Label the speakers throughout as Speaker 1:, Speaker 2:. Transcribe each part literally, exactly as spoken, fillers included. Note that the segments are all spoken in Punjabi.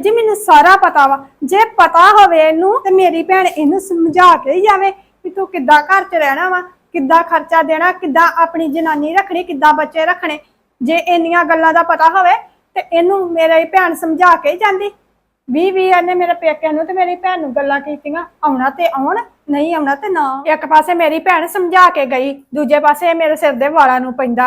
Speaker 1: जी मैनू सारा पता वा जे पता होवे इनू ते मेरी भैन इनू समझा के ही जावे कि तू किद्दां घर च रहना वा, किद्दां खर्चा देना, किद्दां अपनी जनानी रखनी, किद्दां बच्चे रखने। जे इन्नियां गल्लां दा पता होवे ते इनू मेरी भैन समझा के ही जांदी। भी भी इन्हें मेरे पेके नू ते मेरी भैन नू गल्लां कीतियां, आउणा ते आउण, नहीं आउणा ते ना। एक पासे मेरी भैन समझा के गई, दूजे पासे मेरे सिर दे वालां नू पैंदा।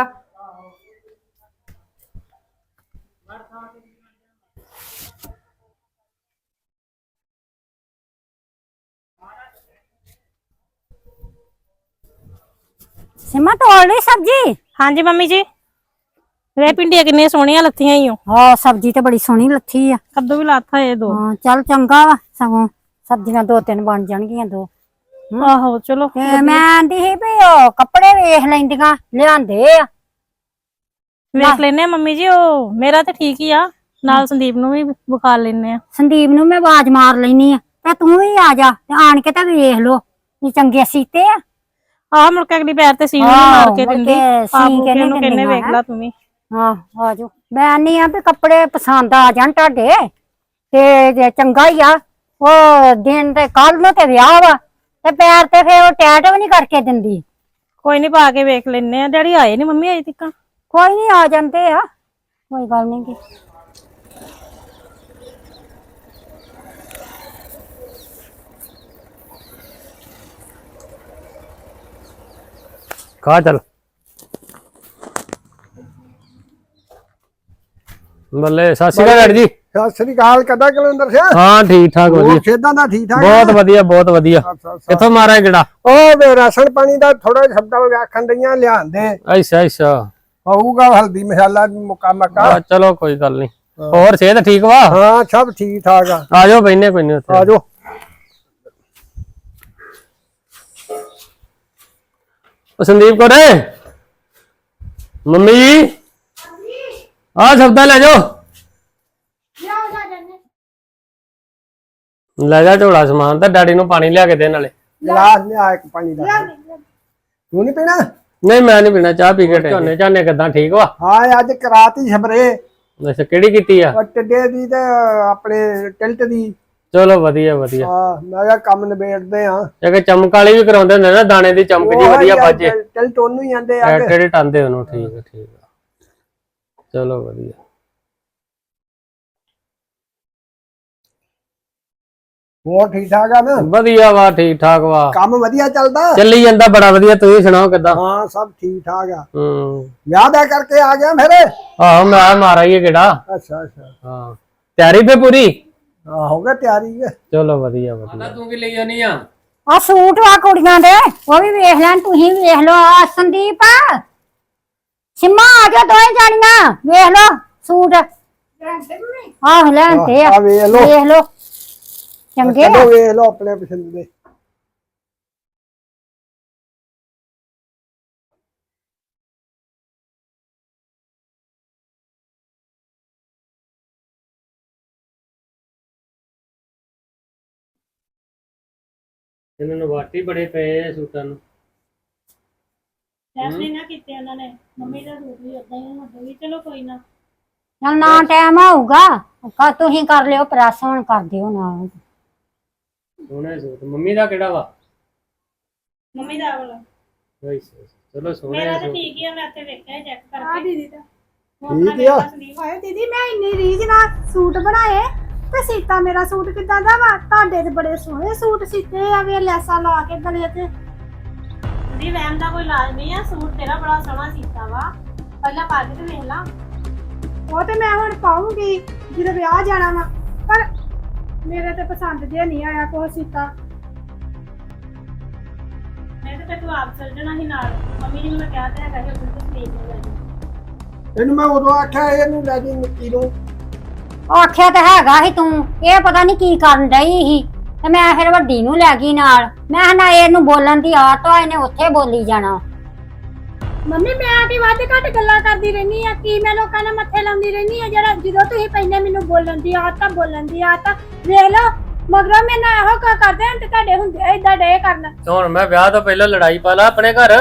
Speaker 2: सिमा तोड़ ली सब्जी?
Speaker 3: हाँ जी मम्मी जी। वे भिंडियां कितनी सोहनियां लत्थियां ही हो।
Speaker 2: हाँ सब्जी तो बड़ी सोहनी लथी है।
Speaker 3: कद्दू भी लाथा है दो।
Speaker 2: हाँ चल चंगा वा, सगों सब्जियां दो तीन बन जाणगियां दो।
Speaker 3: आहो चलो
Speaker 2: ते मैं आंदी ही भी ओ कपड़े वेख लैंदियां लियांदे आ।
Speaker 3: वेख लेने मम्मी जी, ओ मेरा तो ठीक ही आ, नाल संदीप नू भी बुखार लेने आ।
Speaker 2: संदीप नू मैं आवाज मार लेनी आ ते तू भी आ जा ते आन के ते वेख लो ये चंगे सीते आ।
Speaker 3: आह मुड़ के अगली पैर ते सीने मार के दिंदी, आप के नु कहने वेख ला तू भी।
Speaker 2: हाँ आ जाओ। मैं आनी आ भी कपड़े पसंद आ जान तुहाडे ते जे चंगा ही आ। ओ दिन ते कल नू ते विआह वा ते पैर ते फिर टैट भी नहीं करके दिंदी।
Speaker 3: कोई नहीं पा के वेख लेने आ। डैडी आए नहीं मम्मी अजे तक?
Speaker 2: कोई नहीं आ जाते आ, कोई गल नहीं की।
Speaker 4: खा चल ਬੱਲੇ ਸਤਿ ਸ਼੍ਰੀ ਅਕਾਲ ਜੀ।
Speaker 5: ਸਤਿ ਸ੍ਰੀ ਅਕਾਲ। ਕਦਾ ਕਲੰਦਰ ਸਿਆ?
Speaker 4: ਹਾਂ ਠੀਕ ਠਾਕ ਵਧੀਆ।
Speaker 5: ਖੇਦਾਂ ਦਾ ਠੀਕ ਠਾਕ?
Speaker 4: ਬਹੁਤ ਵਧੀਆ ਬਹੁਤ ਵਧੀਆ। ਕਿੱਥੋਂ ਮਾਰਿਆ ਗੇੜਾ?
Speaker 5: ਉਹ ਵੇ ਰਾਸ਼ਨ ਪਾਣੀ ਦਾ ਥੋੜਾ ਸ਼ਬਦਾਂ ਵਿੱਚ ਆਖਣ ਦਈਆਂ ਲਿਆਂਦੇ।
Speaker 4: ਅੱਛਾ ਅੱਛਾ
Speaker 5: ਹੋਊਗਾ ਹਲਦੀ ਮਸਾਲਾ ਮੁਕਾ ਮਕਾ।
Speaker 4: ਚਲੋ ਕੋਈ ਗੱਲ ਨਹੀਂ। ਹੋਰ ਸਿਹਤ ਠੀਕ ਵਾ?
Speaker 5: ਹਾਂ ਸਭ ਠੀਕ ਠਾਕ ਆ।
Speaker 4: ਆ ਜਾਓ ਬੈਠਨੇ ਕੋਈ ਨਹੀਂ ਉੱਥੇ।
Speaker 5: ਆ ਜਾਓ।
Speaker 4: ਉਹ ਸੰਦੀਪ ਕੋਰੇ ਮੰਮੀ ਜੀ ਆ ਸਬਦਾ ਲੈ ਜਾਓ। ਲੈ ਜਾ ਝੋਲਾ ਸਮਾਨ ਤਾਂ ਡੈਡੀ ਨੂੰ ਪਾਣੀ ਲਿਆ ਕੇ ਦੇ ਨਾਲੇ।
Speaker 5: ਗਲਾਸ ਲਿਆ ਇੱਕ ਪਾਣੀ ਦਾ। ਤੂੰ ਨਹੀਂ ਪੀਣਾ?
Speaker 4: ਨਹੀਂ ਮੈਂ ਨਹੀਂ ਪੀਣਾ, ਚਾਹ ਪੀ ਕੇ ਝੋਨੇ ਝਾਨੇ ਕਿਦਾਂ ਠੀਕ ਵਾ?
Speaker 5: ਹਾਂ ਅੱਜ ਕਰਾਤੀ ਸਪਰੇ।
Speaker 4: ਅੱਛਾ ਕਿਹੜੀ ਕੀਤੀ ਆ?
Speaker 5: ਟਿੱਡੇ ਦੀ ਤੇ ਆਪਣੇ ਟਿਲਟ ਦੀ।
Speaker 4: ਚਲੋ ਵਧੀਆ ਵਧੀਆ।
Speaker 5: ਹਾਂ ਮੈਂ ਕਿਹਾ ਕੰਮ ਨਿਬੇੜਦੇ ਆ।
Speaker 4: ਜੇ ਚਮਕ ਵਾਲੀ ਵੀ ਕਰਾਉਂਦੇ ਹੁੰਦੇ ਨਾ, ਦਾਣੇ ਦੀ ਚਮਕ ਜੀ ਵਧੀਆ ਬਾਜੇ।
Speaker 5: ਟਿਲਟ ਉਹਨੂੰ ਹੀ ਆਂਦੇ ਆ।
Speaker 4: ਟੇੜੇ ਟਾਂਦੇ ਉਹਨੂੰ। ਠੀਕ ਆ ਠੀਕ ਆ ਚਲੋ ਵਧੀਆ।
Speaker 5: ਹੋਰ ਠੀਕ ਠਾਕ ਆ ਨਾ?
Speaker 4: ਵਧੀਆ ਵਾ ਠੀਕ ਠਾਕ ਵਾ।
Speaker 5: ਕੰਮ ਵਧੀਆ ਚੱਲਦਾ?
Speaker 4: ਚੱਲੀ ਜਾਂਦਾ ਬੜਾ ਵਧੀਆ। ਤੁਸੀਂ ਸੁਣਾਓ ਕਿੱਦਾਂ?
Speaker 5: ਹਾਂ ਸਭ ਠੀਕ ਠਾਕ ਆ।
Speaker 4: ਹੂੰ
Speaker 5: ਵਿਆਹ ਦਾ ਕਰਕੇ ਆ ਗਿਆ ਫਿਰ?
Speaker 4: ਆਹੋ ਮੈਂ ਮਾਰਾ ਹੀ ਕਿਹੜਾ।
Speaker 5: ਅੱਛਾ ਅੱਛਾ
Speaker 4: ਹਾਂ ਤਿਆਰੀ ਫੇ ਪੂਰੀ?
Speaker 5: ਹਾਂ ਹੋ ਗਿਆ ਤਿਆਰੀ ਹੈ।
Speaker 4: ਚਲੋ ਵਧੀਆ ਵਧੀਆ। ਤੂੰ ਕੀ ਲਈ ਜਾਨੀ ਆ?
Speaker 2: ਆ ਸੂਟ ਵਾ ਕੁੜੀਆਂ ਦੇ, ਉਹ ਵੀ ਵੇਖ ਲੈਣ, ਤੁਸੀਂ ਵੇਖ ਲਓ। ਆ ਸੰਦੀਪ ਸਿਮਾ ਆ ਜਾ, ਦੋਵੇਂ ਜਾਣੀਆਂ ਵੇਖ ਲਓ ਸੂਟ। ਆਹ ਲੈਂਦੇ ਆ,
Speaker 5: ਆ ਵੇਖ ਲਓ।
Speaker 2: ਵੇਖ ਲਓ ਚੰਗੇ ਆ।
Speaker 5: ਚਲੋ ਵੇਖ ਲਓ ਆਪਣੇ ਪਸੰਦ ਦੇ।
Speaker 4: ਇਹਨਾਂ ਨੂੰ ਵਾਟੀ ਬੜੇ ਪਏ ਸੂਟਾਂ ਨੂੰ।
Speaker 3: ਫੈਸਲੇ ਨਾ ਕੀਤੇ ਉਹਨਾਂ ਨੇ। ਮੰਮੀ ਦਾ ਸੂਟ ਵੀ ਉਦਾਂ ਹੀ ਹੁੰਦਾ ਵੀ। ਚਲੋ ਕੋਈ ਨਾ,
Speaker 2: ਚੱਲ ਨਾ ਟਾਈਮ ਆਊਗਾ ਤੁਸੀਂ ਕਰ ਲਿਓ ਪ੍ਰੈਸ, ਹੁਣ ਕਰ ਦਿਓ ਨਾ।
Speaker 4: ਸੋਹਣੇ ਸੂਟ। ਮੰਮੀ ਦਾ ਕਿਹੜਾ ਵਾ?
Speaker 3: ਮੰਮੀ ਦਾ ਵਾਲਾ।
Speaker 4: ਚਲੋ ਸੋਹਣੇ
Speaker 3: ਮੇਰਾ ਤਾਂ
Speaker 4: ਸੂਟ।
Speaker 3: ਠੀਕ ਹੀ ਆ, ਮੈਂ ਤੇ ਵੇਖਿਆ ਚੈੱਕ
Speaker 1: ਆ
Speaker 3: ਕਰਕੇ।
Speaker 1: दीदी दा
Speaker 5: ਠੀਕ ਆ।
Speaker 1: ਹਾਏ ਦੀਦੀ ਮੈਂ ਇੰਨੀ ਰੀਝ ਨਾਲ ਸੂਟ ਬਣਾਏ ਤੇ ਸੀਤਾ ਮੇਰਾ ਸੂਟ ਕਿੱਦਾਂ ਦਾ ਵਾ? ਤੁਹਾਡੇ ਤੇ ਬੜੇ ਸੋਹਣੇ ਸੂਟ ਸੀਤੇ ਆ, ਵੇ ਲੈਸਾਂ ਲਾ ਕੇ ਗਲੇ ਤੇ।
Speaker 3: ਦੀ ਵੈਨ ਦਾ ਕੋਈ ਇਲਾਜ ਨਹੀਂ ਆ। ਸੂਟ ਤੇਰਾ ਬੜਾ ਸੋਹਣਾ ਸੀਤਾ ਵਾ, ਪਹਿਲਾਂ ਪਾ ਕੇ ਤੇ ਵੇਖ ਲਾ।
Speaker 1: ਉਹ ਤੇ ਮੈਂ ਹੁਣ ਪਾਉਂਗੀ ਜਦੋਂ ਵਿਆਹ ਜਾਣਾ ਵਾ, ਪਰ ਮੇਰੇ ਤੇ ਪਸੰਦ ਜੇ ਨਹੀਂ ਆਇਆ ਕੋਈ ਸੀਤਾ।
Speaker 3: ਮੈਂ ਤੇ ਤੂੰ ਆਪ ਚੱਲ ਜਾਣਾ ਸੀ ਨਾਲ। ਮੰਮੀ ਨੂੰ ਮੈਂ ਕਿਹਾ ਤੇ ਹੈਗਾ ਕਿ ਬਿਲਕੁਲ ਸਲੀਪ ਨਹੀਂ ਲੈਣੀ।
Speaker 5: ਇਹਨੂੰ ਮੈਂ ਉਦੋਂ ਆਖਿਆ ਇਹਨੂੰ ਲੈ ਜੀ ਮਿੱਟੀ ਨੂੰ।
Speaker 2: ਆਖਿਆ ਤਾਂ ਹੈਗਾ ਸੀ ਤੂੰ, ਇਹ ਪਤਾ ਨਹੀਂ ਕੀ ਕਰਨ ਡਈ ਸੀ ਤੇ ਮੈਂ ਫਿਰ ਵੱਡੀ ਨੂੰ ਲੈ ਗਈ ਨਾਲ। ਮੈਂ ਨਾ ਇਹਨੂੰ ਬੋਲਣ ਦੀ ਆਦਤ ਆ, ਇਹਨੇ ਉੱਥੇ ਬੋਲੀ ਜਾਣਾ।
Speaker 1: ਮੰਮੀ ਮੈਂ ਕੀ ਵੱਧ ਘੱਟ ਗੱਲਾਂ ਕਰਦੀ ਰਹਿਨੀ ਆ? ਕੀ ਮੈਂ ਲੋਕਾਂ ਨਾਲ ਮੱਥੇ ਲਾਉਂਦੀ ਰਹਿਨੀ ਆ? ਜਿਹੜਾ ਜਦੋਂ ਤੁਸੀਂ ਪੈਂਦੇ ਮੈਨੂੰ ਬੋਲਣ ਦੀ ਆਦਤ ਆ, ਬੋਲਣ ਦੀ ਆਦਤ ਆ। ਵੇਖ ਲਓ ਮਗਰੋਂ ਮੈਂ ਨਾ ਇਹੋ ਕਾ ਕਰਦੇ ਹਾਂ ਤੇ ਤੁਹਾਡੇ ਹੁੰਦੇ ਏਦਾਂ ਡੇ ਕਰਨ।
Speaker 4: ਹੁਣ ਮੈਂ ਵਿਆਹ ਤੋਂ ਪਹਿਲਾਂ ਲੜਾਈ ਪਾ ਲਾ ਆਪਣੇ ਘਰ।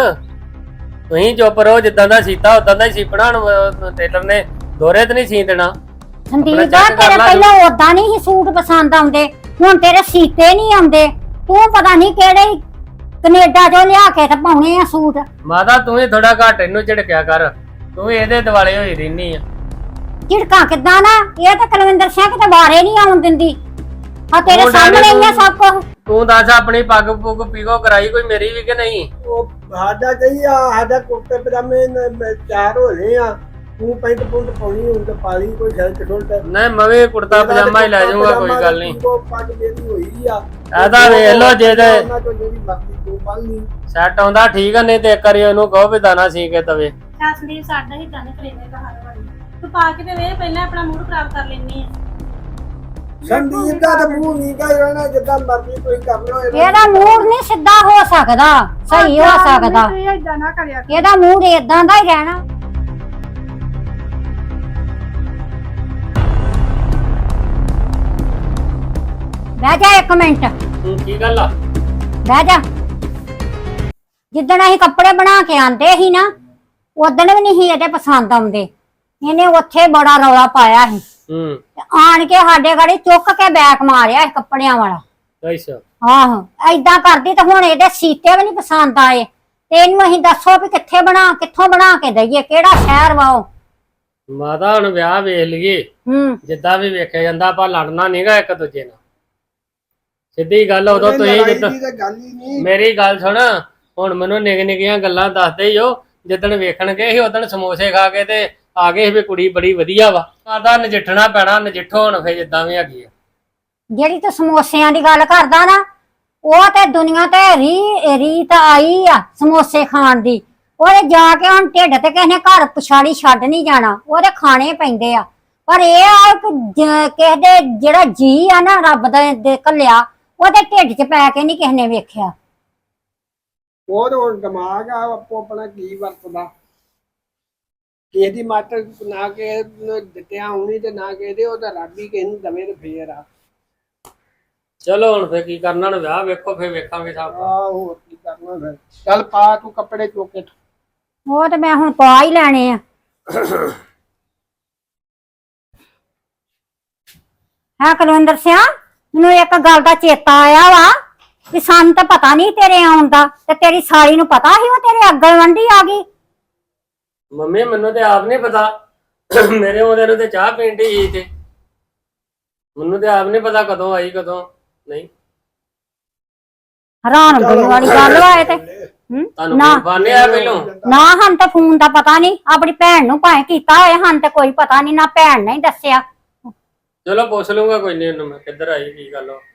Speaker 4: ਤੁਸੀਂ ਚੁੱਪ ਰਹੋ, ਜਿੱਦਾਂ ਦਾ ਸੀਤਾ ਉਦਾਂ ਦਾ ਹੀ ਸੀਪਣਾ। ਟੇਲਰ ਨੇ ਦੋਰੇ ਤੇ ਨਹੀਂ ਸੀ ਦੇਣਾ।
Speaker 2: ਸੰਦੀਪ
Speaker 4: check ਕਰ
Speaker 2: ਤੇਰੇ
Speaker 4: ਲਾ
Speaker 2: ਪਹਿਲਾਂ ਉਦਾਂ ਨਹੀਂ ਸੀ ਸੂਟ ਪਸੰਦ ਆਉਂਦੇ, ਹੁਣ ਤੇਰੇ ਸੀਤੇ ਨਹੀਂ ਆਉਂਦੇ। ਤੂੰ ਪਤਾ ਨਹੀਂ ਕਿਹੜੇ ਕੈਨੇਡਾ ਚੋਂ ਲਿਆ ਕੇ ਤੇ ਪਾਉਣੇ ਆ ਸੂਟ।
Speaker 4: ਮਾਤਾ ਤੂੰ ਹੀ ਥੋੜਾ ਘੱਟ ਇਹਨੂੰ ਝਿੜਕਿਆ ਕਰ, ਤੂੰ ਵੀ ਇਹਦੇ ਦਿਵਾਲੇ ਹੋਈ ਰਹਿਨੀ ਆ।
Speaker 2: ਝਿੜਕਾਂ ਕਿੱਦਾਂ ਨਾ, ਇਹ ਤਾਂ ਕੁਲਵਿੰਦਰ ਸਿੰਘ ਕਿਤੇ ਵਾਰੇ ਨਹੀਂ ਆਉਣ ਦਿੰਦੀ। ਆ ਤੇਰੇ
Speaker 4: ਉਹ ਡੈਡੀ
Speaker 2: ਸਾਹਮਣੇ ਹੀ ਆ
Speaker 4: ਤੂੰ-
Speaker 2: ਸਭ ਕੁਝ।
Speaker 4: ਤੂੰ ਦੱਸ ਆਪਣੀ ਪੱਗ ਪੁੱਗ ਪੀਗੋ ਕਰਾਈ ਕੋਈ ਮੇਰੀ ਵੀ ਕਿ ਨਹੀਂ?
Speaker 5: ਉਹ ਸਾਡਾ ਕਹੀ ਆ ਸਾਡਾ ਕੁੜਤੇ ਪਜਾਮੇ ਨ- ਮ- ਤਿਆਰ ਹੋ ਰਹੇ ਆ, ਤੂੰ ਪੈਂਟ ਪੁੰਟ ਪਾਉਣੀ ਹੁਣ ਤੇ ਪਾ ਲਈ ਕੋਈ ਸ਼ਰਟ ਸ਼ੁਰਟ।
Speaker 4: ਨਹੀਂ ਮੈਂ ਵੀ ਕੁੜਤਾ ਪਜਾਮਾ ਹੀ ਲੈ ਜਾਊਂਗਾ, ਕੋਈ ਗੱਲ ਨਹੀਂ।
Speaker 5: ਉਹ ਪੱਗ ਮੇਰੀ ਹੋਈ ਆ,
Speaker 4: ਇਹਦਾ ਵੇਖ ਲਓ ਜੇ ਤੇ
Speaker 5: ਉਹਨਾਂ ਚੋਂ ਜਿਹੜੀ ਮਰਜ਼ੀ ਤੂੰ ਪਾ ਲਈ।
Speaker 4: ਸੈੱਟ ਆਉਂਦਾ ਠੀਕ ਆ, ਨਹੀਂ ਤੇ ਇੱਕ ਵਾਰੀ ਉਹਨੂੰ ਕਹੋ ਵੀ ਦਾਣਾ ਸੀ ਕੇ ਤਵੇ।
Speaker 3: ਚੱਲ ਸੰਦੀਪ ਸਾਡਾ ਹੀ ਦਾਣੇ ਕਰੇਵੇ ਦਾ ਹਰ ਵਾਰੀ ਤੂੰ ਪਾ ਕੇ ਤੇ ਵੇ ਪਹਿਲਾਂ ਆਪਣਾ ਮੂਡ ਖਰਾਬ ਕਰ ਲੈਣੀ ਆ।
Speaker 5: ਸੰਦੀਪ ਦਾ ਤਾਂ ਮੂੰਹ ਨਹੀਂ ਗਾ ਰਹਿਣਾ, ਜਿੱਦਾਂ ਮਰਜ਼ੀ ਕੋਈ ਕਰ ਲਓ।
Speaker 2: ਇਹਦਾ ਮੂਡ ਨਹੀਂ ਸਿੱਧਾ ਹੋ ਸਕਦਾ, ਸਹੀ ਹੋ ਸਕਦਾ।
Speaker 1: ਤੁਸੀਂ ਏਦਾਂ ਨਾ ਕਰਿਆ ਕਰੋ।
Speaker 2: ਇਹਦਾ ਮੂਡ ਏਦਾਂ ਦਾ ਹੀ ਰਹਿਣਾ। ਬਹਿ ਜਾ ਇੱਕ ਮਿੰਟ,
Speaker 4: ਹੂੰ ਕੀ ਗੱਲ ਆ?
Speaker 2: ਬਹਿ ਜਾ। ਜਿੱਦਣ ਅਸੀਂ ਕੱਪੜੇ ਬਣਾ ਕੇ ਆਂਦੇ ਸੀ ਨਾ, ਉਦਣ ਵੀ ਨਹੀਂ ਸੀ ਇਹਦੇ ਪਸੰਦ ਆਉਂਦੇ। ਇਹਨੇ ਉੱਥੇ ਬੜਾ ਰੌਲਾ ਪਾਇਆ ਸੀ
Speaker 4: ਹੂੰ
Speaker 2: ਤੇ ਆਣ ਕੇ ਸਾਡੇ ਗਾੜੀ ਚੁੱਕ ਕੇ ਬੈਕ ਮਾਰਿਆ ਸੀ ਕੱਪੜਿਆਂ ਵਾਲਾ।
Speaker 4: ਅੱਛਾ
Speaker 2: ਆਹੋ ਏਦਾਂ ਕਰਦੀ ਤੇ ਹੁਣ ਇਹਦੇ ਸੀਤੇ ਵੀ ਨਹੀਂ ਪਸੰਦ ਆਏ ਤੇ ਇਹਨੂੰ ਅਸੀਂ ਦੱਸੋ ਵੀ ਕਿੱਥੇ ਬਣਾ ਕਿੱਥੋਂ ਬਣਾ ਕੇ ਦਈਏ, ਕਿਹੜਾ ਸ਼ਹਿਰ ਵਾ ਉਹ।
Speaker 4: ਮਾਤਾ ਹੁਣ ਵਿਆਹ ਵੇਖ ਲਈਏ,
Speaker 2: ਹੂੰ
Speaker 4: ਜਿੱਦਾਂ ਵੀ ਵੇਖਿਆ ਜਾਂਦਾ ਆਪਾਂ ਲੜਨਾ ਨਹੀਂਗਾ ਇੱਕ ਦੂਜੇ ਨਾਲ। ਸਿੱਧੀ ਗੱਲ ਉਦੋਂ ਤੁਸੀਂ
Speaker 5: ਲੜਾਈ
Speaker 4: ਜਿੱਦਾਂ
Speaker 5: ਦੀ ਤਾਂ ਗੱਲ ਹੀ ਨਹੀਂ।
Speaker 4: ਮੇਰੀ ਗੱਲ ਸੁਣ, ਹੁਣ ਮੈਨੂੰ ਨਿੱਕ ਨਿੱਕੀਆਂ ਗੱਲਾਂ ਦੱਸਦੇ ਹੀ ਹੋ। ਜਿੱਦਣ ਵੇਖਣ ਗਏ ਸੀ ਉਦਣ ਸਮੋਸੇ ਖਾ ਕੇ ਤੇ ਆ ਗਏ ਸੀ ਵੀ ਕੁੜੀ ਬੜੀ ਵਧੀਆ ਵਾ। ਆਦਾ ਨਜਿੱਠਣਾ ਪੈਣਾ, ਨਜਿੱਠੋ ਹੁਣ ਫੇ ਜਿੱਦਾਂ ਵੀ ਹੈਗੀ ਆ।
Speaker 2: ਜਿਹੜੀ ਤੂੰ ਸਮੋਸਿਆਂ ਦੀ ਗੱਲ ਕਰਦਾ ਨਾ, ਉਹ ਤੇ ਦੁਨੀਆ ਤੇ ਰੀ ਰੀਤ ਆਈ ਆ ਸਮੋਸੇ ਖਾਣ ਦੀ। ਉਹਦੇ ਜਾ ਕੇ ਹੁਣ ਢਿੱਡ ਤੇ ਕਿਸੇ ਨੇ ਘਰ ਪਛਾੜੀ ਛੱਡ ਨਹੀਂ ਜਾਣਾ, ਉਹਦੇ ਖਾਣੇ ਪੈਂਦੇ ਆ। ਪਰ ਇਹ ਆ ਕਿ ਜ- ਕਿਸੇ ਦੇ ਜਿਹੜਾ ਜੀ ਆ ਨਾ ਰੱਬ ਦਾ ਦੇ ਘੱਲਿਆ, ਉਹਦੇ ਢਿੱਡ 'ਚ ਪੈ ਕੇ ਨਹੀਂ ਕਿਸੇ ਨੇ ਵੇਖਿਆ।
Speaker 5: ਉਹ ਤਾਂ ਹੁਣ ਦਿਮਾਗ ਆ ਆਪੋ ਆਪਣਾ ਕੀ ਵਰਤਦਾ। ਕਿਸੇ ਦੀ ਮੱਤ ਨਾ ਕੇ ਦਿੱਤਿਆ ਆਉਣੀ ਤੇ ਨਾ ਕਿਸੇ ਉਹ ਤਾਂ ਰੱਬ ਹੀ ਕਿਸੇ ਨੂੰ ਦਵੇ ਤੇ ਫੇਰ ਆ।
Speaker 4: ਚਲੋ ਹੁਣ ਫੇ ਕੀ ਕਰਨਾ, ਹੁਣ ਵਿਆਹ ਵੇਖੋ ਫੇ ਵੇਖਾਂਗੇ ਸਭ।
Speaker 5: ਆ ਹੋਰ ਕੀ ਕਰਨਾ ਫਿਰ। ਚੱਲ ਪਾ ਤੂੰ ਕੱਪੜੇ ਚੁੱਕ ਕੇ।
Speaker 2: ਉਹ ਤੇ ਮੈਂ ਹੁਣ ਪਾ ਹੀ ਲੈਣੇ ਆ। ਹਾਂ ਕੁਲਵਿੰਦਰ ਸਿੰਘ, ਮੈਨੂੰ ਇੱਕ ਗੱਲ ਦਾ ਚੇਤਾ ਆਇਆ ਵਾ ਕਿ ਸਾਨੂੰ ਤਾਂ ਪਤਾ ਨਹੀਂ ਤੇਰੇ ਆਉਣ ਦਾ, ਤੇ ਤੇਰੀ ਸਾਲੀ ਨੂੰ ਪਤਾ ਸੀ ਉਹ ਤੇਰੇ ਅੱਗਲ ਵੰਡੀ ਆ ਗਈ।
Speaker 4: ਮੰਮੀ ਮੈਨੂੰ ਤੇ ਆਪ ਨਹੀਂ ਪਤਾ, ਮੇਰੇ ਉਹਦੇ ਨੂੰ ਤੇ ਚਾਹ ਪੀਣ ਦੀ ਤੇ ਮੈਨੂੰ ਤੇ ਆਪ ਨਹੀਂ ਪਤਾ ਕਦੋਂ ਆਈ ਕਦੋਂ ਨਹੀਂ।
Speaker 2: ਹੈਰਾਨ ਹੋਣ ਵਾਲੀ ਗੱਲ ਵਾ ਇਹ ਤੇ। ਹੂੰ?
Speaker 4: ਤੁਹਾਨੂੰ
Speaker 2: ਨਾ
Speaker 4: ਫੋਨ ਨਹੀਂ ਆਇਆ ਪਹਿਲੋਂ?
Speaker 2: ਨਾ ਹਨ ਤਾਂ ਫੋਨ ਦਾ ਪਤਾ ਨਹੀਂ, ਆਪਣੀ ਭੈਣ ਨੂੰ ਭਾਵੇਂ ਕੀਤਾ ਹੋਏ, ਹਨ ਤੇ ਕੋਈ ਪਤਾ ਨਹੀਂ, ਨਾ ਭੈਣ ਨੇ ਹੀ ਦੱਸਿਆ।
Speaker 4: ਚਲੋ ਪੁੱਛ ਲੂੰਗਾ ਕੋਈ ਨਹੀਂ ਉਹਨੂੰ ਮੈਂ, ਕਿੱਧਰ ਆਈ ਕੀ ਗੱਲ ਆ।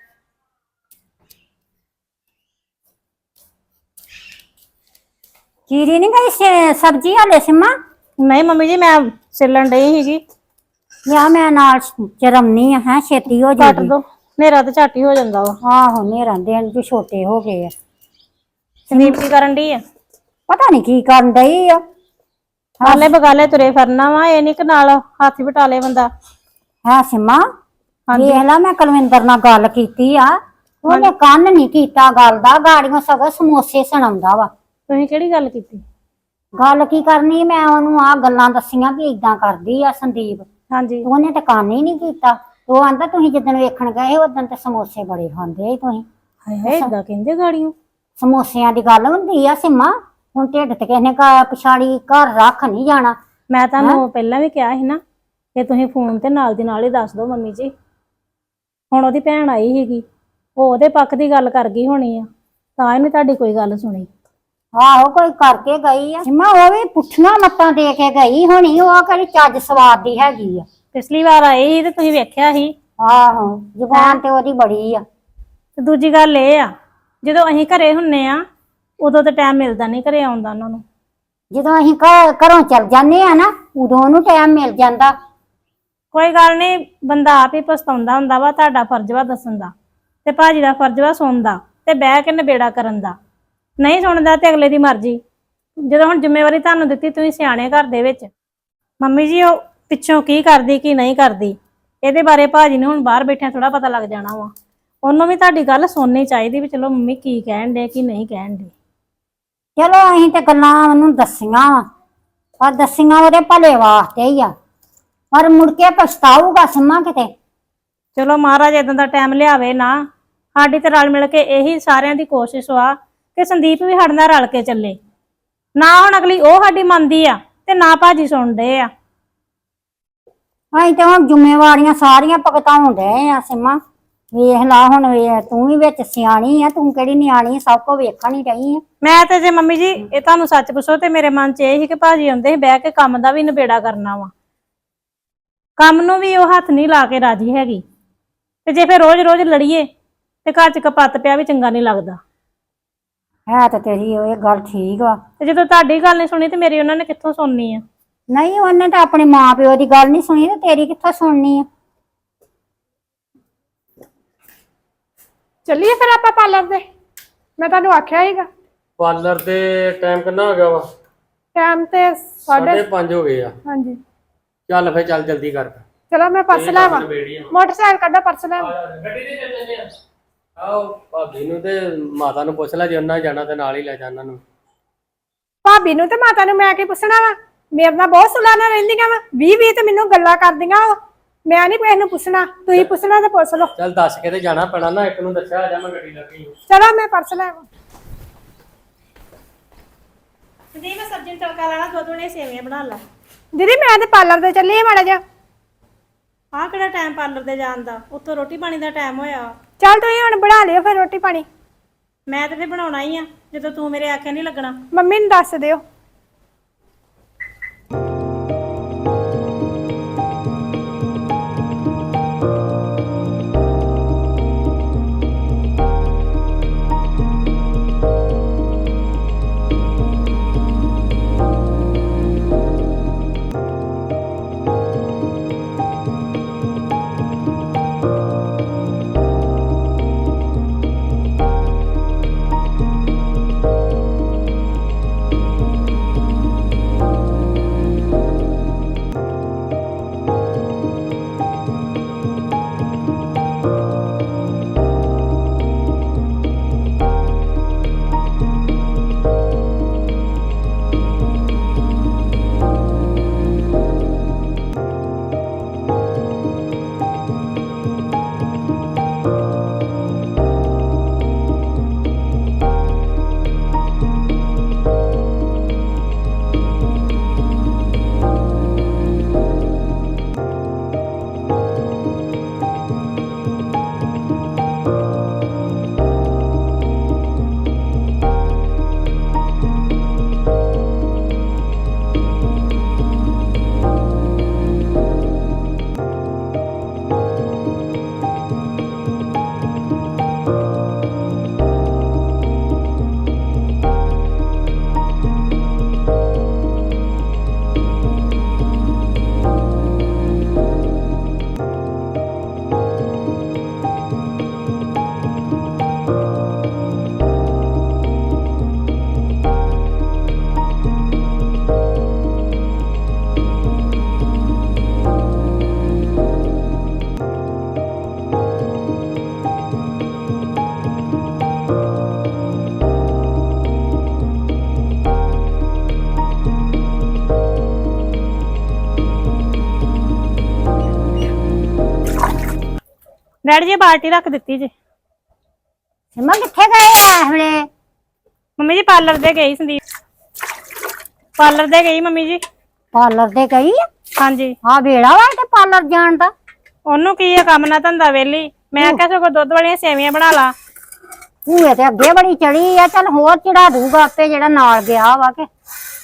Speaker 2: ਚੀਰੀ ਨਹੀਂ ਗਈ ਸ- ਸਬਜ਼ੀ ਹਾਲੇ ਸਿੰਮਾ?
Speaker 3: ਨਹੀਂ ਮੰਮੀ ਜੀ ਮੈਂ ਸਿਲਣ ਡਈ ਸੀਗੀ।
Speaker 2: ਯਾ ਮੈਂ ਨਾਲ ਚਰਮਨੀ ਆ, ਹੈ ਛੇਤੀ ਹੋ
Speaker 3: ਕੱਟ
Speaker 2: ਜਾਏਗੀ।
Speaker 3: ਦੋ, ਮੇਰਾ ਤਾਂ ਝੱਟ ਹੀ ਹੋ ਜਾਂਦਾ ਵਾ।
Speaker 2: ਆਹੋ ਨੇਰਾਂ ਦਿਨ ਵੀ ਛੋਟੇ ਹੋ ਗਏ ਆ।
Speaker 3: ਸੰਦੀਪ ਕੀ ਕਰਨ ਡਈ ਆ?
Speaker 2: ਪਤਾ ਨਹੀਂ ਕੀ ਕਰਨ ਡਈ ਆ।
Speaker 3: ਹਾਲੇ ਬਗਾਲੇ ਤੁਰੇ ਫਿਰਨਾ ਵਾ, ਇਹ ਨੀ ਕਿ ਨਾਲ ਹੱਥ ਵਟਾਲੇ ਬੰਦਾ।
Speaker 2: ਹੈ ਸਿੰਮਾ, ਵੇਖ ਲਾ ਮੈਂ ਕੁਲਵਿੰਦਰ ਨਾਲ ਗੱਲ ਕੀਤੀ ਆ, ਉਹਨੇ ਕੰਨ ਨਹੀਂ ਕੀਤਾ ਗੱਲ ਦਾ, ਗਾੜੀਆਂ ਸਗੋਂ ਸਮੋਸੇ ਸੁਣਾਉਂਦਾ ਵਾ।
Speaker 3: ਤੁਸੀਂ ਕਿਹੜੀ ਗੱਲ ਕੀਤੀ?
Speaker 2: ਗੱਲ ਕੀ ਕਰਨੀ, ਮੈਂ ਉਹਨੂੰ ਆ ਗੱਲਾਂ ਦੱਸੀਆਂ ਵੀ ਇਦਾਂ ਕਰਦੀ ਆ ਸੰਦੀਪ।
Speaker 3: ਹਾਂਜੀ
Speaker 2: ਉਹਨੇ ਤਾਂ ਕੰਨ ਹੀ ਨਹੀਂ ਕੀਤਾ। ਉਹ ਆਂਦਾ ਤੁਸੀਂ ਜਿੱਦਣ ਵੇਖਣ ਗਏ ਉਦੋਂ ਤੇ ਸਮੋਸੇ ਬੜੇ ਖਾਂਦੇ ਸੀ ਤੁਸੀਂ।
Speaker 3: ਹਾਏ ਹਾਏ ਏਦਾਂ ਕਹਿੰਦੇ ਗਾੜੀਆਂ?
Speaker 2: ਸਮੋਸਿਆਂ ਦੀ ਗੱਲ ਹੁੰਦੀ ਆ ਸਿੰਮਾ, ਹੁਣ ਢਿੱਡ ਤੇ ਕਿਸੇ ਨੇ ਘਰ ਪਛਾੜੀ ਘਰ ਰੱਖ ਨਹੀਂ ਜਾਣਾ।
Speaker 3: ਮੈਂ ਤੁਹਾਨੂੰ ਪਹਿਲਾਂ ਵੀ ਕਿਹਾ ਸੀ ਨਾ ਕਿ ਤੁਸੀਂ ਫੋਨ ਤੇ ਨਾਲ ਦੀ ਨਾਲ ਹੀ ਦੱਸ ਦਿਓ ਮੰਮੀ ਜੀ। ਹੁਣ ਉਹਦੀ ਭੈਣ ਆਈ ਸੀਗੀ, ਉਹ ਉਹਦੇ ਪੱਖ ਦੀ ਗੱਲ ਕਰ ਗਈ ਹੋਣੀ ਆ, ਤਾਂ ਇਹਨੇ ਤੁਹਾਡੀ ਕੋਈ ਗੱਲ ਸੁਣੀ।
Speaker 2: ਆਹੋ ਕੋਈ ਕਰਕੇ ਗਈ ਆ ਸਿੰਮਾ, ਉਹ ਵੀ ਪੁੱਠੀਆਂ ਮੱਤਾਂ ਦੇ ਕੇ ਗਈ ਹੋਣੀ, ਉਹ ਕਿਹੜੀ ਚੱਜ ਸਵਾਦ ਦੀ ਹੈਗੀ ਆ।
Speaker 3: ਪਿਛਲੀ ਵਾਰ ਆਏ ਸੀ ਤੇ ਤੁਸੀਂ ਵੇਖਿਆ ਸੀ।
Speaker 2: ਆਹੋ ਜ਼ੁਬਾਨ ਤੇ ਉਹਦੀ ਬੜੀ ਆ।
Speaker 3: ਤੇ ਦੂਜੀ ਗੱਲ ਇਹ ਆ, ਜਦੋਂ ਅਸੀਂ ਘਰੇ ਹੁੰਨੇ ਆ ਉਦੋਂ ਤਾਂ ਟਾਈਮ ਮਿਲਦਾ ਨਹੀਂ ਘਰੇ ਆਉਂਦਾ ਉਹਨਾਂ ਨੂੰ।
Speaker 2: ਜਦੋਂ ਅਸੀਂ ਘਰ ਘਰੋਂ ਚੱਲ ਜਾਂਦੇ ਆ ਨਾ, ਉਦੋਂ ਉਹਨੂੰ ਟਾਈਮ ਮਿਲ ਜਾਂਦਾ।
Speaker 3: ਕੋਈ ਗੱਲ ਨਹੀਂ, ਬੰਦਾ ਆਪ ਹੀ ਪਛਤਾਉਂਦਾ ਹੁੰਦਾ ਵਾ। ਤੁਹਾਡਾ ਫਰਜ਼ ਵਾ ਦੱਸਣ ਦਾ, ਤੇ ਭਾਜੀ ਦਾ ਫਰਜ਼ ਵਾ ਸੁਣਨ ਦਾ ਤੇ ਬਹਿ ਕੇ ਨਿਬੇੜਾ ਕਰਨ ਦਾ। ਨਹੀਂ ਸੁਣਦਾ ਤੇ ਅਗਲੇ ਦੀ ਮਰਜ਼ੀ। ਜਦੋਂ ਹੁਣ ਜ਼ਿੰਮੇਵਾਰੀ ਤੁਹਾਨੂੰ ਦਿੱਤੀ, ਤੁਸੀਂ ਸਿਆਣੇ ਘਰ ਦੇ ਵਿੱਚ। ਮੰਮੀ ਜੀ ਉਹ ਪਿੱਛੋਂ ਕੀ ਕਰਦੀ ਕੀ ਨਹੀਂ ਕਰਦੀ, ਇਹਦੇ ਬਾਰੇ ਭਾਜੀ ਨੂੰ ਹੁਣ ਬਾਹਰ ਬੈਠਿਆਂ ਥੋੜਾ ਪਤਾ ਲੱਗ ਜਾਣਾ ਵਾ। ਉਹਨੂੰ ਵੀ ਤੁਹਾਡੀ ਗੱਲ ਸੁਣਨੀ ਚਾਹੀਦੀ ਵੀ ਚਲੋ ਮੰਮੀ ਕੀ ਕਹਿਣ ਦੇ ਕੀ ਨਹੀਂ ਕਹਿਣ ਦੇ।
Speaker 2: ਚਲੋ ਅਸੀਂ ਤੇ ਗੱਲਾਂ ਉਹਨੂੰ ਦੱਸੀਆਂ ਵਾ, ਪਰ ਦੱਸੀਆਂ ਉਹਦੇ ਭਲੇ ਵਾਸਤੇ ਹੀ ਆ। ਪਰ ਮੁੜ ਕੇ ਪਛਤਾਊਗਾ ਸਿੰਮਾ ਕਿਤੇ।
Speaker 3: ਚਲੋ ਮਹਾਰਾਜ ਇਦਾਂ ਦਾ ਟਾਈਮ ਲਿਆਵੇ ਨਾ। ਸਾਡੀ ਤੇ ਰਲ ਮਿਲ ਕੇ ਇਹੀ ਸਾਰਿਆਂ ਦੀ ਕੋਸ਼ਿਸ਼ ਵਾ ਕਿ ਸੰਦੀਪ ਵੀ ਸਾਡੇ ਨਾਲ ਰਲ ਕੇ ਚੱਲੇ। ਨਾ ਹੁਣ ਅਗਲੀ ਉਹ ਸਾਡੀ ਮੰਨਦੀ ਆ ਤੇ ਨਾ ਭਾਜੀ ਸੁਣਦੇ ਆ।
Speaker 2: ਅਸੀਂ ਤੇ ਹੁਣ ਜ਼ਿੰਮੇਵਾਰੀਆਂ ਸਾਰੀਆਂ ਭੁਗਤਾਉਣ ਡਏ ਆ ਸਿੰਮਾ। ਵੇਖ ਲਾ ਹੁਣ ਵੇ ਤੂੰ ਵੀ ਵਿੱਚ ਸਿਆਣੀ ਆ, ਤੂੰ ਕਿਹੜੀ ਨਿਆਣੀ, ਸਭ ਕੁਝ ਵੇਖਣ ਹੀ ਰਹੀ ਆ।
Speaker 3: ਮੈਂ ਤੇ ਜੇ ਮੰਮੀ ਜੀ ਇਹ ਤੁਹਾਨੂੰ ਸੱਚ ਪੁੱਛੋ ਤੇ ਮੇਰੇ ਮਨ 'ਚ ਇਹ ਸੀ ਕਿ ਭਾਜੀ ਆਉਂਦੇ ਸੀ ਬਹਿ ਕੇ ਕੰਮ ਦਾ ਵੀ ਨਿਬੇੜਾ ਕਰਨਾ ਵਾ। ਕੰਮ ਨੂੰ ਵੀ ਉਹ ਹੱਥ ਨਹੀਂ ਲਾ ਕੇ ਰਾਜੀ ਹੈਗੀ ਤੇ ਜੇ ਫਿਰ ਰੋਜ਼-ਰੋਜ਼ ਲੜੀਏ ਤੇ ਘਰ 'ਚ ਕਪੱਤ ਪਿਆ ਵੀ ਚੰਗਾ ਨਹੀਂ ਲੱਗਦਾ।
Speaker 2: ਹੈ ਤਾਂ ਤੇਰੀ ਇਹ ਗੱਲ ਠੀਕ ਵਾ।
Speaker 3: ਤੇ ਜਦੋਂ ਤੁਹਾਡੀ ਗੱਲ ਨਹੀਂ ਸੁਣੀ ਤੇ ਮੇਰੀ ਉਹਨਾਂ ਨੇ ਕਿੱਥੋਂ ਸੁਣਨੀ ਆ?
Speaker 2: ਨਹੀਂ ਉਹਨੇ ਤਾਂ ਆਪਣੇ ਮਾਂ ਪਿਓ ਦੀ ਗੱਲ ਨਹੀਂ ਸੁਣੀ ਤੇ ਤੇਰੀ ਕਿੱਥੋਂ ਸੁਣਨੀ ਆ?
Speaker 1: ਚੱਲੀਏ ਫਿਰ ਆਪਾਂ ਪਾਰਲਰ ਦੇ। ਮੈਂ ਤੁਹਾਨੂੰ ਆਖਿਆ ਸੀਗਾ
Speaker 4: ਪਾਰਲਰ ਦੇ ਟਾਈਮ ਕਿੰਨਾ ਹੋ ਗਿਆ ਵਾ?
Speaker 1: ਟਾਈਮ ਤੇ ਸਾਢੇ
Speaker 4: ਸਾਢੇ ਪੰਜ ਹੋ ਗਏ ਆ।
Speaker 1: ਹਾਂਜੀ
Speaker 4: ਚੱਲ ਫੇ ਚੱਲ ਜਲਦੀ ਕਰ।
Speaker 1: ਚਲੋ ਮੈਂ ਪਰਸ ਲੈਵਾਂ। ਮੋਟਰਸਾਈਕਲ ਕੱਢੋ, ਪਰਸ ਲੈਵਾਂ।
Speaker 4: ਗੱਡੀ ਤੇ ਚੱਲ ਜੰਨੇ ਆ। ਆਓ ਭਾਬੀ ਨੂੰ ਤੇ ਮਾਤਾ ਨੂੰ ਪੁੱਛ ਲੈ, ਜੇ ਉਹਨਾਂ ਜਾਣਾ ਤੇ ਨਾਲ ਹੀ ਲੈ ਜਾ ਉਹਨਾਂ ਨੂੰ।
Speaker 1: ਭਾਬੀ ਨੂੰ ਤੇ ਮਾਤਾ ਨੂੰ ਮੈਂ ਕੀ ਪੁੱਛਣਾ ਵਾ? ਮੇਰੇ ਨਾਲ ਬਹੁਤ ਸੁਲਾ ਨਾਲ ਰਹਿੰਦੀਆਂ ਵਾ। ਵੀਹ ਵੀਹ ਤੇ ਮੈਨੂੰ ਗੱਲਾਂ ਕਰਦੀਆਂ ਵਾ। ਮੈਂ ਨਹੀਂ ਕਿਸੇ ਨੂੰ ਪੁੱਛਣਾ, ਤੁਸੀਂ ਪੁੱਛਣਾ ਤੇ ਪੁੱਛ ਲਓ।
Speaker 4: ਚੱਲ ਦੱਸ ਕੇ ਤੇ ਜਾਣਾ ਪੈਣਾ ਨਾ। ਇੱਕ ਨੂੰ ਦੱਸਿਆ ਆ ਜਾ ਮੈਂ ਗੱਡੀ ਲੱਗੀ।
Speaker 1: ਚਲੋ ਮੈਂ ਪਰਸ ਲੈਵਾਂ।
Speaker 3: ਸੰਦੀਪ ਮੈਂ ਸਬਜ਼ੀ ਨੂੰ ਤੜਕਾ ਲਾਣਾ, ਦੁੱਧ ਨੇ ਸੇਵੀਆਂ ਬਣਾ ਲਾ।
Speaker 1: ਦੀਦੀ ਮੈਂ ਤੇ ਪਾਰਲਰ ਤੇ ਚੱਲੀ ਆ ਮਾੜਾ ਜਿਹਾ।
Speaker 3: ਆਹ ਕਿਹੜਾ ਟਾਈਮ ਪਾਰਲਰ ਦੇ ਜਾਣ ਦਾ? ਉੱਥੋਂ ਰੋਟੀ ਪਾਣੀ ਦਾ ਟਾਈਮ ਹੋਇਆ।
Speaker 1: ਚੱਲ ਤੁਸੀਂ ਹੁਣ ਬਣਾ ਲਿਓ ਫਿਰ ਰੋਟੀ ਪਾਣੀ।
Speaker 3: ਮੈਂ ਤੇ ਫਿਰ ਬਣਾਉਣਾ ਹੀ ਆ ਜਦੋਂ ਤੂੰ ਮੇਰੇ ਆਖੇ ਨਹੀਂ ਲੱਗਣਾ।
Speaker 1: ਮੰਮੀ ਨੂੰ ਦੱਸ ਦਿਓ।
Speaker 3: ਡੈਡੀ ਜੀ ਬਾਲਟੀ ਰੱਖ ਦਿੱਤੀ ਜੀ।
Speaker 2: ਸਿੰਮਾ ਕਿੱਥੇ ਗਏ ਆ ਇਸ ਵੇਲੇ?
Speaker 3: ਮੰਮੀ ਜੀ ਪਾਰਲਰ ਦੇ ਗਈ ਸੰਦੀਪ। ਪਾਰਲਰ ਦੇ ਗਈ ਮੰਮੀ ਜੀ।
Speaker 2: ਪਾਰਲਰ ਤੇ ਗਈ ਆ?
Speaker 3: ਹਾਂਜੀ।
Speaker 2: ਆ ਵੇੜਾ ਵਾ ਤੇ ਪਾਰਲਰ ਜਾਣ ਦਾ।
Speaker 3: ਉਹਨੂੰ ਕੀ ਆ ਕੰਮ ਨਾ ਧੰਦਾ ਵੇਲੀ। ਮੈਂ ਆਖਿਆ ਸਗੋਂ ਦੁੱਧ ਵਾਲੀਆਂ ਸੇਵੀਆਂ ਬਣਾ ਲਾ।
Speaker 2: ਭੂਏ ਤੇ ਅੱਗੇ ਬੜੀ ਚੜੀ ਆ, ਚੱਲ ਹੋਰ ਚੜਾ ਦੂਗਾ ਆਪੇ ਜਿਹੜਾ ਨਾਲ ਗਿਆ ਵਾ ਕੇ।